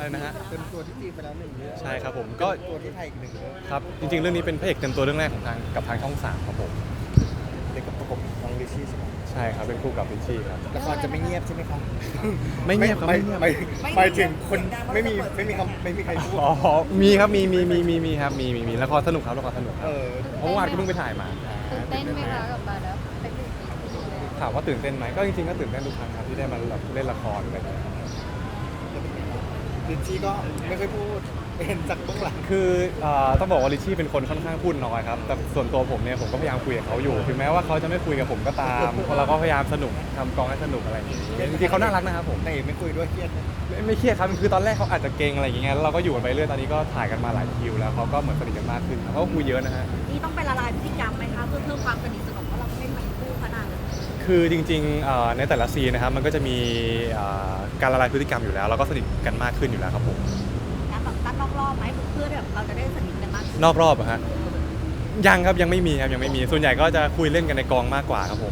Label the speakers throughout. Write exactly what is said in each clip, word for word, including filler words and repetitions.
Speaker 1: อะไรนะฮะ
Speaker 2: เต็มตัวที่จีนไปแล้วหนึ่งเรื่อง
Speaker 1: ใช่ครับผมก็
Speaker 2: ตัวที่ไทยอีกหนึ่งเรื่อง
Speaker 1: ครับจริงๆเรื่องนี้เป็นพระเอกเต็มตัวเรื่องแรกของทางกับทางช่องสามครับผม
Speaker 2: เด็กกับประกบน้องลิชี่ใช่ไหม
Speaker 1: ใช่ครับเป็นคู่กับริชชี่ครับ
Speaker 2: ละครจะไม่เงียบใช่ไหมครับ
Speaker 1: ไม่เงียบครับ
Speaker 2: ไม่
Speaker 1: ไม่เงียบ
Speaker 2: ไม่หมายถึงคนไม่มีไม่มีคำไม่มีใครพูด
Speaker 1: อ๋อมีครับมีมีมีมีมีครับมีมีมีละครสนุกครับละครสนุกค
Speaker 2: เอ
Speaker 1: รับ
Speaker 2: อ
Speaker 1: เพราะเมื่อวานก็เพิ่งไปถ่ายมา
Speaker 3: ตื่นเต้นไหมคะกับมาแล้วเป็นหนึ่งปีแล้ว
Speaker 1: ถามว่าตื่นเต้นไหมก็จริงๆก็ตื่นเต้นทุกครั้งครับที่ได้มาแบบเล่นละครอะไรอย่างเงี้ย
Speaker 2: ลิชี่ก็ไม่ค่อยพูดเป็นจากเบื้องหลัง
Speaker 1: คือเอ่อต้องบอกว่าริชชี่เป็นคนค่อนข้างพูดน้อยครับแต่ส่วนตัวผมเนี่ยผมก็พยายามคุยกับเขาอยู่ถึงแม้ว่าเขาจะไม่คุยกับผมก็ตามเพราะเราก็พยายามสนุกทำกองให้สนุกอะไรอย่างเงี้ยจริงๆเขาน่ารักนะครับผม
Speaker 2: แต่ไม่คุยด้วยเครียดนะ
Speaker 1: ไม่ไม่เครียดครับคือตอนแรกเขาอาจจะเกรงอะไรอย่างเงี้ยแล้วเราก็อยู่กันไปเรื่อยตอนนี้ก็ถ่ายกันมาหลายคิวแล้วเขาก็เหมือนสนิทกันมากขึ้นครับเขาก็คุยเยอะนะฮะ
Speaker 4: นี่ต้องไปละลายพฤติกรรมไหมคะเพื่อเพิ่มความสนิทสนมเพราะเราไม่เหมือนคู่ขนาดนั้น
Speaker 1: คือจริงๆเอ่อในแต่ละซีนนะครับมันก็จะมีเอ่อการละลายพฤติกรรมอยู่แล้วเราก็สนิทกันมากขึ้นอยู่แล้วครับผม
Speaker 4: การแบบตั้งนอกรอบไหมเพื่อแบบเราจะได้สนิทกันมากขึ้น
Speaker 1: นอกรอบอะฮะยังครับยังไม่มีครับยังไม่มีส่วนใหญ่ก็จะคุยเล่นกันในกองมากกว่าครับผม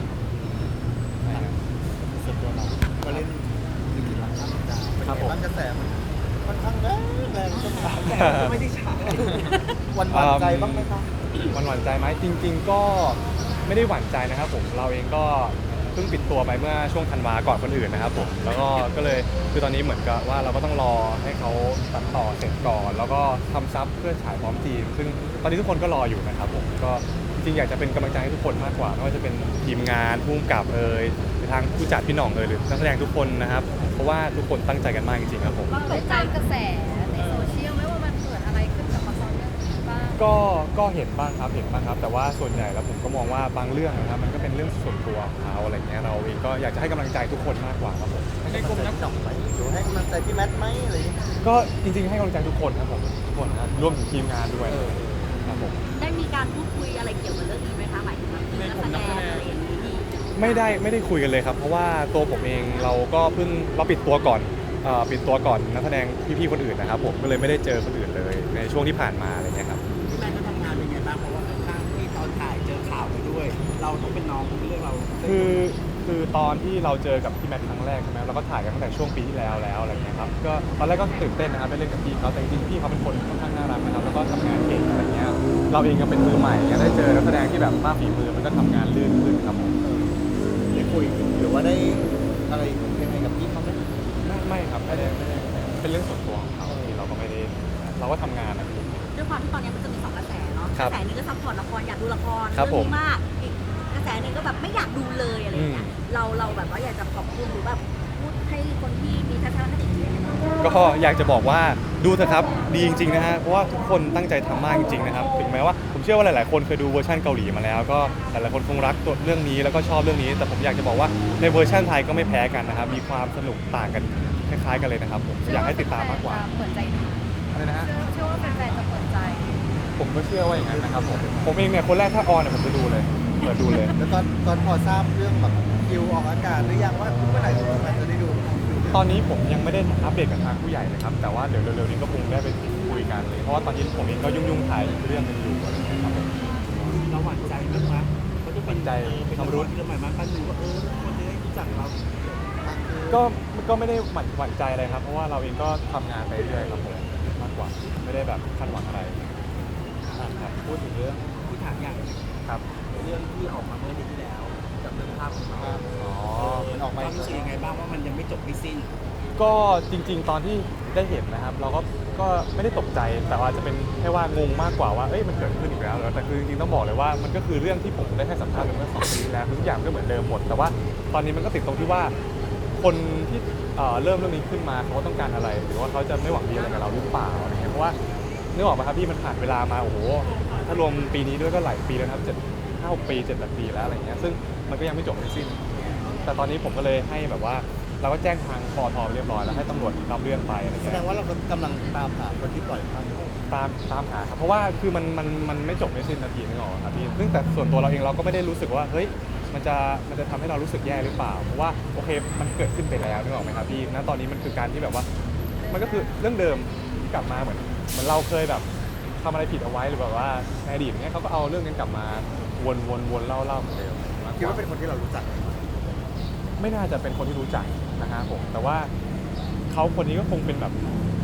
Speaker 2: ส่วนตัวเราก็เล่นลิขิตรักข้ามดาวเป็น
Speaker 1: ครับ
Speaker 2: ไง
Speaker 1: ผม
Speaker 2: บ้างกระแสมันค่อนข้างแรงแรงจนถามแต่ก็ไม่ได้ฉายวันหวานใจบ้างไหมครับ
Speaker 1: มันหวั่นใจไหมจริง ๆ ก็ไม่ได้หวั่นใจนะครับผมเราเองก็เพิ่งปิดตัวไปเมื่อช่วงธันวาก่อนคนอื่นนะครับผมแล้วก็ก็เลยคือตอนนี้เหมือนกับว่าเราก็ต้องรอให้เขาตัดต่อเสร็จก่อน แล้วก็ทำซับเพื่อฉายพร้อมทีมซึ่งตอนนี้ทุกคนก็รออยู่นะครับผมก็จริงๆอยากจะเป็นกำลังใจให้ทุกคนมากกว่าไม่ว่าจะเป็นทีมงานผู้กำกับเอ่ยหรือทางผู้จัดพี่หน่องเอ่ยหรือนักแสดงทุกคนนะครับเพราะว่าทุกคนตั้งใจกันมากจริงๆครับผม
Speaker 3: เราได้ตามกระแสในโซเชียลไหมว่ามันเกิดอะไรขึ้นกับละครเรื่องนี้บ้าง
Speaker 1: ก็ก็เห็นบ้างครับเห็นบ้างครับ แต่ว่าส่วนใหญ่แล้วผมก็มองว่าบางเรื่องนะครับมันก็เป็นเรื่องส่วนตัวของเขาอะไรเงี้ยเราเองก็อยากจะให้กำลังใจทุกคนมากกว่าครับผม
Speaker 2: ให้กำลังใจพี่หน่องไหมหรือให้กำลังใจพี่แมทไหมอะไรอย่างเงี้ย
Speaker 1: ก็จริงๆให้กำลังใจทุกคนครับผมทุกคนนะครับรวมถึงทีมงานด้วยครับผม
Speaker 4: ได้มีการพูดคุยอะไรเกี่ยวกับเรื่องนี้ไหมคะหมายถึงแบบทีมนักแสดงอะไรอย่างนี้
Speaker 1: ไม่ได้ไม่ได้คุยกันเลยครับ เพราะว่าตัวผมเองเราก็เพิ่งเราปิดตัวก่อนเอ่อปิดตัวก่อนนักแสดงพี่ๆคนอื่นนะครับผมก็เลยไม่ได้เจอคนอื่นเลยในช่วงที่ผ่านมาอะไรเงี้ยครับ
Speaker 5: พี่แมนก็ทำงานเป็นไงบ้างเพราะว่าข้างๆที่ตอนถ่ายเจอข่าวไปด้วย เราต้องเป็นน้องเรื่องเรา
Speaker 1: คือคือตอนที่เราเจอกับพี่แมทครั้งแรกใช่ไหมเราก็ถ่ายกันตั้งแต่ช่วงปีที่แล้วแล้วอะไรเงี้ยครับก็ตอนแรกก็ตื่นเต้นนะครับได้เล่นกับพี่เขาแต่จริงๆพี่เขาเป็นคนค่อนข้างน่ารักนะครับแล้วก็ทำงานเก่งอะไรเงี้ยเราเองก็เป็นมือใหม่เนี่ยได้เจอนักแสดงที่แบบมากฝีมือมันก็ทำงานลื่นขึ้นครับผม
Speaker 2: ได้คุยหรือว่าได้อะไรยังไงกับพี่เขาไหม
Speaker 1: ไม่ไม่ครับไม่ได้ไม่ได้เป็นเรื่องส่วนตัวของเขาที่เราก็ไม่ได้เราก็ทำงานนะพี่
Speaker 4: ด้วยความที่ตอนนี้มันจะมีสองกระแสเนาะ
Speaker 1: ค
Speaker 4: ก
Speaker 1: รับ
Speaker 4: ระแสหนึงก็ซัพพอร์ตละครอยากดูละคร
Speaker 1: ครับ
Speaker 4: เรื่อง
Speaker 1: ผม
Speaker 4: นี้มากอีกกระแสหนึงก็แบบไม่อยากดูเลยอะไรอย่างเงี้ย
Speaker 1: อืม
Speaker 4: เราเราแบบว่าอยากจะขอบคุณหรือแบบพูดให้คนที่มีทัศนคติที่ดี
Speaker 1: ก็อยากจะบอกว่าดูเถอะครับดีจริงๆนะฮะเพราะว่าทุกคนตั้งใจทำมากจริงๆนะครับถึงแม้ว่าผมเชื่อว่าหลายๆคนเคยดูเวอร์ชันเกาหลีมาแล้ว ก็หลายๆคนคงรักตัวเรื่องนี้แล้วก็ชอบเรื่องนี้ แต่ผมอยากจะบอกว่าในเวอร์ชันไทยก็ไม่แพ้กันนะครับมีความสนุกต่างกันคล้ายๆกันเลยนะครับผมอยากให้ติดตามมากกว่า
Speaker 3: เปิดใจดู
Speaker 1: อะไรนะฮะ
Speaker 3: เชื่อเชื่อว่าแฟนๆจะเปิดใจ
Speaker 1: ผมก็เชื่อว่าอย่างนั้นนะครับผมผมเองเนี่ยคนแรกถ้าออนเนี่ยผมจะดูเลยเปิดดูเลย
Speaker 2: แล้วตอนตอนพอทราบเรื่องแบบคิวออกอากาศหรือยังว่าเมื่อไหร่พี่แมทจะได้ดู
Speaker 1: ตอนนี้ผมยังไม่ได้อัปเดตกับทางผู้ใหญ่เลยครับแต่ว่าเดี๋ยวเร็วๆนี้ก็คงได้ไปคุยกันเลยเพราะว่าตอนนี้ผมเองก็ยุ่งๆถ่ายเรื่องนึงอยู่อะไรอย่างเงี้ยครับผม
Speaker 5: เราหวั่นใจมากนะเขาจะเป็น
Speaker 1: หวั่นใจ
Speaker 5: เป็น
Speaker 1: ความ
Speaker 5: ตำ
Speaker 1: รู้
Speaker 5: รวจที่เราหมายมากันดูว่าเออคนจะได้รู้จักเรา
Speaker 1: ก็ก็ไม่ได้หวั่นหวั่นใจอะไรครับ เพราะว่าเราเองก็ทำงานไปเรื่อยครับผมมากกว่าไม่ได้แบบคาดหวังอะไรครับ
Speaker 5: พูดถึงเรื่องที่ถามอย่าง
Speaker 1: ครับ
Speaker 5: เรื่องที่ออกมาเมื่อเดือนที่แล้วกับเรื่องภาพของเรา
Speaker 1: อ๋อ
Speaker 2: มันออกมา
Speaker 5: ความรู้สึกยังไงบ้างว่ามันยังไม่จบไม่สิ้น
Speaker 1: ก็จริง ๆ ตอนที่ได้เห็นนะครับ เราก็ก็ไม่ได้ตกใจแต่ว่าจะเป็นแค่ว่างงมากกว่าว่าเอ้ยมันเกิดขึ้นอีกแล้วเหรอแต่คือจริงๆต้องบอกเลยว่ามันก็คือเรื่องที่ผมได้ให้สัมภาษณ์ไปเมื่อสองปีที่แล้วทุกอย่างก็เหมือนเดิมหมด แต่ว่าตอนนี้มันก็ติดตรงที่ว่าคนที่เอ่อเริ่มเรื่องนี้ขึ้นมาเขาต้องการอะไรหรือว่าเขาจะไม่หวังดีอะไรกับเราหรือเปล่าอะไรเงี้ยเพราะว่านึกออกไหมครับพี่มันผ่านเวลามาโอ้โหถ้ารวมปีนี้ด้วยก็หลายปีแล้วนะครับเจ็ดห้าหกปีเจ็ดแปดปีแล้วอะไรเงี้ยซึ่งมันก็ยังไม่จบไม่สิ้น แต่ตอนนี้ผมก็เลยให้แบบว่าเราก็แจ้งทางปอทเรียบร้อยแล้วให้ตำรวจรับเรื่องไปอะไร
Speaker 2: แส
Speaker 1: เงี้
Speaker 2: ดง
Speaker 1: ย
Speaker 2: ว่าเรากำลังตามหาคนที่ปล่อยภาพ
Speaker 1: ตามตามหาครับเพราะว่าคือมันมันมันไม่จบไม่สิ้นนาทีนึกออกไหมครับพี่ซึ่งแต่ส่วนตัวเราเองเราก็ไม่ได้รู้สึกว่าเฮ้ยมันจะมันจะทำให้เรารู้สึกแย่หรือเปล่าเพราะว่าโอเคมันเกิดขึ้นไปแล้วนึกออกไหมครับพี่ณตอนนี้มันคือการที่แบบว่า มันก็คือเรื่องเดิมที่กลับมาเหมือนเหมือนเราเคยแบบทำอะไรผิดเอาไว้หรือแบบว่าในอดีตเนี้ยเขาก็เอาเรื่องนั้นกลับมาวนวนวนเล่าเล่าเหมือนเดิมมกก
Speaker 2: คิดว่าเป็นคนที่เรารู้จัก
Speaker 1: ไม่น่าจะเป็นคนที่รู้จักนะฮะผมแต่ว่าเขาคนนี้ก็คงเป็นแบบ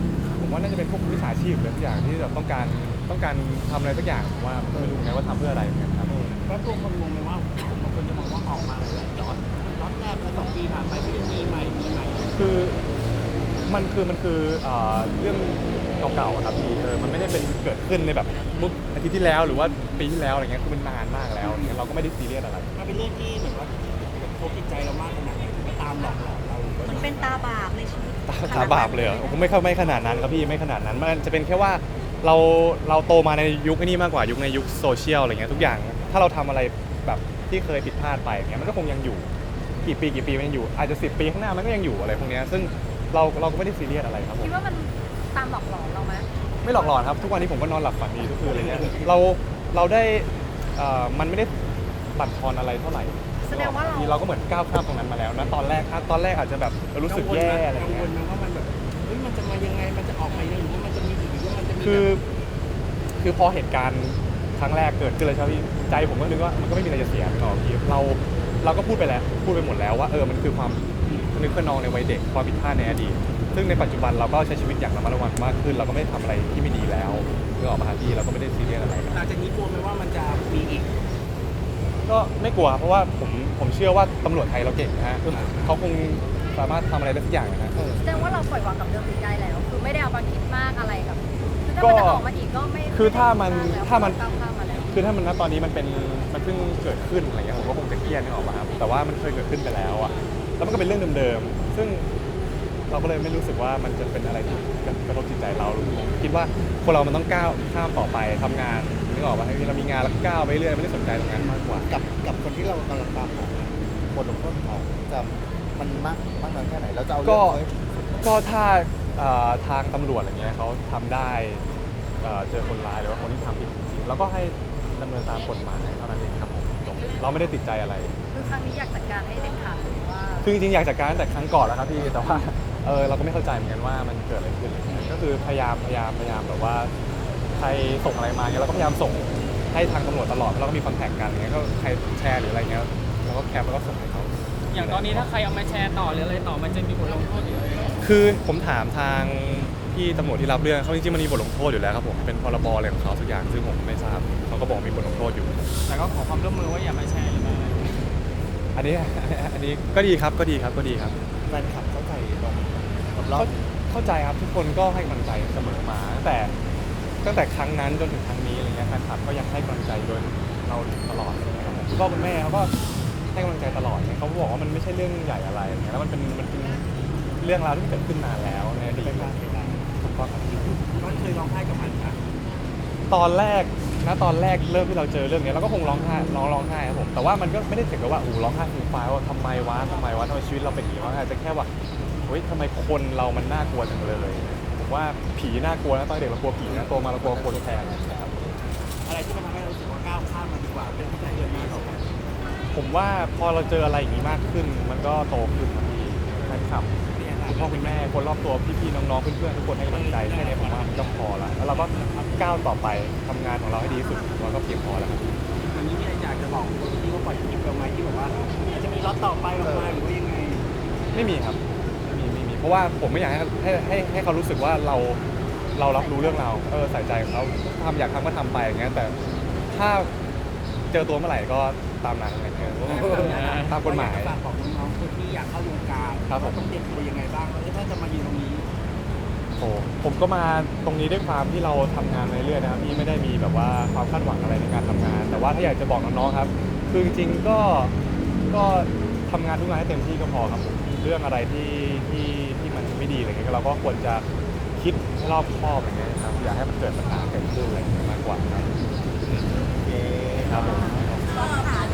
Speaker 1: ผมว่าน่าจะเป็นพวกวิชาชีพหรือทุกอย่างที่แบบต้องการต้องการทำอะไรสักอย่างผมว่าไม่รู้ไงว่าทำเพื่ออะไรเหมือนกันครับ
Speaker 5: แล้วตัวคนงงไหมว่าบางคนจะมองว่าออกมาหลายๆล็อตล็อตแรกแล้วสองปีผ่านไปก็ยังมีใหม่มีใหม่
Speaker 1: คือมันคือมันคือเอ่อเรื่องเก่าๆอะครับพี่เออมันไม่ได้เป็นเกิดขึ้นในแบบเมื่ออาทิตย์ที่แล้วหรือว่าปีที่แล้วอะไรเงี้ยคือมันนานมากแล้วเนี่ยเราก็ไม่ได้ซีเรียสอะไร
Speaker 5: มันเป็นเรื่องที่เหมือนว่ากระทบจิตใจเรามากขนาดไหนถึงมาตามหลอกหลอนเรา
Speaker 4: มันเป็นตาบาปในชีวิต
Speaker 1: ตาตาบาปเลยเหรอผมไม่เข้าไม่ขนาดนั้นครับพี่ไม่ขนาดนั้นมันจะเป็นแค่ว่าเราเราโตมาในยุคนี้มากกว่ายุคในยุคโซเชียลอะไรเงี้ยทุกอย่างถ้าเราทำอะไรแบบที่เคยผิดพลาดไปเงี้ยมันก็คงยังอยู่กี่ปีกี่ปีมันยังอยู่อาจจะสิบปีข้างหน้ามันก็ยังอยู่อะไรพวกเนี้ยซึ่งเราเราก็ไม่ได้ซีเรียสอะไรครับผม
Speaker 3: คิดว่ามันตามหลอกหลอนเราไหม
Speaker 1: ไม่หลอกหลอนครับทุกวันนี้ผมก็นอนหลับฝันดีทุกคืนอะไรเงี้ยเราเราได้เอ่อมันไม่ได้บั่นทอนอะไรเท่าไหร่
Speaker 3: แสดงว่าเรา
Speaker 1: เราก็เหมือนก้าวข้ามตรงนั้นมาแล้วนะตอนแรกตอนแรกอาจจะแบบรู้สึกแย่อะไร
Speaker 5: กังว
Speaker 1: เงี้
Speaker 5: ล
Speaker 1: ย
Speaker 5: ไหมว่ามันแบบเฮ้ยมันจะมายังไงมันจะออกมายังไงหรือว่ามันจะมีอีกหรือว่ามันจะมี
Speaker 1: คือ
Speaker 5: แบบ
Speaker 1: คือพอเหตุการณ์ครั้งแรกเกิดขึ้นเลยใช่ไหมพี่ใจผมก็นึกว่ามันก็ไม่มีอะไรจะเสียหรอกพี่เราเราก็พูดไปแล้วพูดไปหมดแล้วว่าเออมันคือความนึกขนองในวัยเด็กความผิดพลาดในอดีตซึ่งในปัจจุบันเราก็ใช้ชีวิตอย่างระมัดระวังมากขึ้น เราก็ไม่ได้ทำอะไรที่ไม่ดีแล้วเมื่อออกมาหาพี่เราก็ไม่ได้ซีเรียสอะไร
Speaker 5: หลังจากนี้กลัวไหมว่ามันจะมีอีก
Speaker 1: ก็ไม่กลัวครับเพราะว่าผมผมเชื่อว่าตำรวจไทยเราเก่งนะฮะเขาคงสามารถทำอะไรได้ทุกอย่างนะฮะ
Speaker 3: แสดงว่าเราปล่อยวางกับเรื่องนี้ได้แล้ว คือไม่ได้เอามาคิดมากอะไรกับคือถ้า
Speaker 1: ก็
Speaker 3: มันจะออกมาอีกก็ไม่
Speaker 1: คือถ้ามัน
Speaker 3: ไได้คิดกแล้ว
Speaker 1: ถ้ามัน
Speaker 3: ก้าวข้ามมาแล้ว
Speaker 1: คือถ้ามันณตอนนี้มันเป็นมันเพิ่งเกิดขึ้นอะไรเงี้ยผมก็คงจะเครียดนึกออกมาครับแต่ว่ามันเคยเกิดขึ้นไปแล้วอะแล้วมันก็เป็นเรื่องเดิมๆซึ่งเราก็เลยไม่รู้สึกว่ามันจะเป็นอะไรที่กระทบจิตใจเราผมคิดว่าคนเรามันต้องก้าวข้ามต่อไปทำงานนึกออกป่ะให้เรามีงานแล้วก็ก้าวไปเรื่อยไม่ได้สนใจตรงนั้นมากกว่า
Speaker 2: กับกับคนที่เรากำลังตามหาบทลงโทษของเขาจะมันมากมากน้อยแค่ไหนแล้วจะเอาเรื่
Speaker 1: ก็
Speaker 2: องเขาให้
Speaker 1: ก็ถ้าเอ่อทางตำรวจอะไรเงี้ยเขาทำได้เอ่อเจอคนร้ายหรือว่าคนที่ทำผิดจริงๆแล้วก็ให้ดำเนินตามกฎหมายเท่านั้นเองครับผมจบเราไม่ได้ติดใจอะไร
Speaker 3: คือครั้งนี้อยากจัดการให้เด็ดขาดหรือว่า
Speaker 1: คือจริงๆอยากจัดการตั้งแต่ครั้งก่อนแล้วครับพี่แต่ว่าเออเราก็ไม่เข้าใจเหมือนกันว่ามันเกิดอะไรขึ้นอะไรเงี้ยก็คือพยายามพยายามพยายามแบบว่าใครส่งอะไรมาเงี้ยเราก็พยายามส่งให้ทางตำรวจตลอดแล้วก็มีคอนแทคกันอย่างเงี้ยก็ใครแชร์หรืออะไรเงี้ยเราก็แคปแล้วก็ส่งให้เขา
Speaker 6: อย่างตอนนี้ถ้าใครเอามาแชร์ต่อหรืออะไรต่อมันจะมีบทลงโทษอยู่เลย
Speaker 1: คือผมถามทางพี่ตำรวจที่รับเรื่องเขาจริงๆมันมีบทลงโทษอยู่แล้วครับผมเป็นพรบอะไรของเขาสักอย่างซึ่งผมไม่ทราบเขาก็บอกมีบทลงโทษอยู่
Speaker 6: แต่ก็ขอความร่วมมือว่าอย่ามาแชร์หรือมาอะไร
Speaker 1: อันนี้ อันนี้ก็ดีครับก็ดีครับก็ดีครับ
Speaker 2: แฟนคลับเข้าใจตรงกับเรา
Speaker 1: เข้าเข้าใจครับทุกคนก็ให้กำลังใจเสมอมาตั้งแต่ตั้งแต่ครั้งนั้นจนถึงครั้งนี้อะไรเงี้ยแฟนคลับก็ยังให้กำลังใจโดยเราตลอดเลยครับผมคุณพ่อคุณแม่เขาก็ให้กำลังใจตลอดเนี่ยเขาบอกว่ามันไม่ใช่เรื่องใหญ่อะไรอย่างเงี้ยแล้วมันเป็นมันเป็นเรื่องราวที่เกิดขึ้นนานแล้วในอดีตถูกต้องครับ
Speaker 5: ก็เคยร้องไห้กับมันนะ
Speaker 1: ตอนแรกนะตอนแรกเริ่มที่เราเจอเรื่องนี้เราก็คงร้องไห้ร้องร้องไห้ครับผมแต่ว่ามันก็ไม่ได้ถึงกับว่าโอ้โหร้องไห้ฟูมฟายว่าทำไมวะทำไมวะทำไมชีวิตเราเป็นอย่างนี้วะอาจจะแค่ว่าเฮ้ยทำไมคนเรามันน่ากลัวจังเลยผมว่าผีน่ากลัวนะตอนเด็กเรากลัวผีนะโตมาเรากลัวคนแทนนะครับ
Speaker 5: อะไรที่มันทำให้เรารู้สึกว่าก้าวข้ามมันดีกว่าเป็นที่จะเดินหน้าต่อไป
Speaker 1: ผมว่าพอเราเจออะไรอย่างนี้มากขึ้น มันก็โตขึ้นครับพี่แฟนคลับคุณพ่อคุณแม่คนรอบตัวพี่ๆน้องๆเพื่อนๆทุกคนให้กำลังใจแค่นี้ผมว่ามันก็พอละแล้วเราก็ก้าวต่อไปทำงานของเราให้ดีที่สุดเราก็เพียงพอแล้วครับ
Speaker 5: วันนี้เนี่ยอยากจะบอกคนที่เขาปล่อยคลิปเราไหมที่แบบว่าอาจจะมีล็อตต่อไปออกมาหรือว่ายังไง
Speaker 1: ไม่มีครับไม่มีไม่มีเพราะว่าผมไม่อยากให้ให้ให้ให้เขารู้สึกว่าเราเรารับรู้เรื่องเราเออใส่ใจของเขาทำอยากทำก็ทำไปอย่างเงี้ยแต่ถ้าเจอตัวเมื่อไหร่ก็ตามนั้นอะไรเงี้ยตามกฎหมาย
Speaker 5: ฝากบอกน้องๆคนที่อยากเข้าวงการ
Speaker 1: ครับผม
Speaker 5: ว่าต้องเตรียมตัวยังไงบ้างแล้วถ้าจะมายืนตรงนี้
Speaker 1: โอ้ผมก็มาตรงนี้ด้วยความที่เราทำงานไปเรื่อยนะครับพี่ไม่ได้มีแบบว่าความคาดหวังอะไรในการทำงาน แต่ว่าถ้าอยากจะบอกน้องๆครับคือจริงๆก็ก็ทำงานทุกงานให้เต็มที่ก็พอครับผมเรื่องอะไรที่ที่ที่มันไม่ดีอะไรเงี้ยเราก็ควรจะคิดให้รอบคอบอะไรเงี้ยครับอย่าให้มันเกิดปัญหาเกิดขึ้นอะไรเงี้ยมากกว่าครับ
Speaker 2: โอเค
Speaker 1: ครับผม
Speaker 4: ก็ค่ะ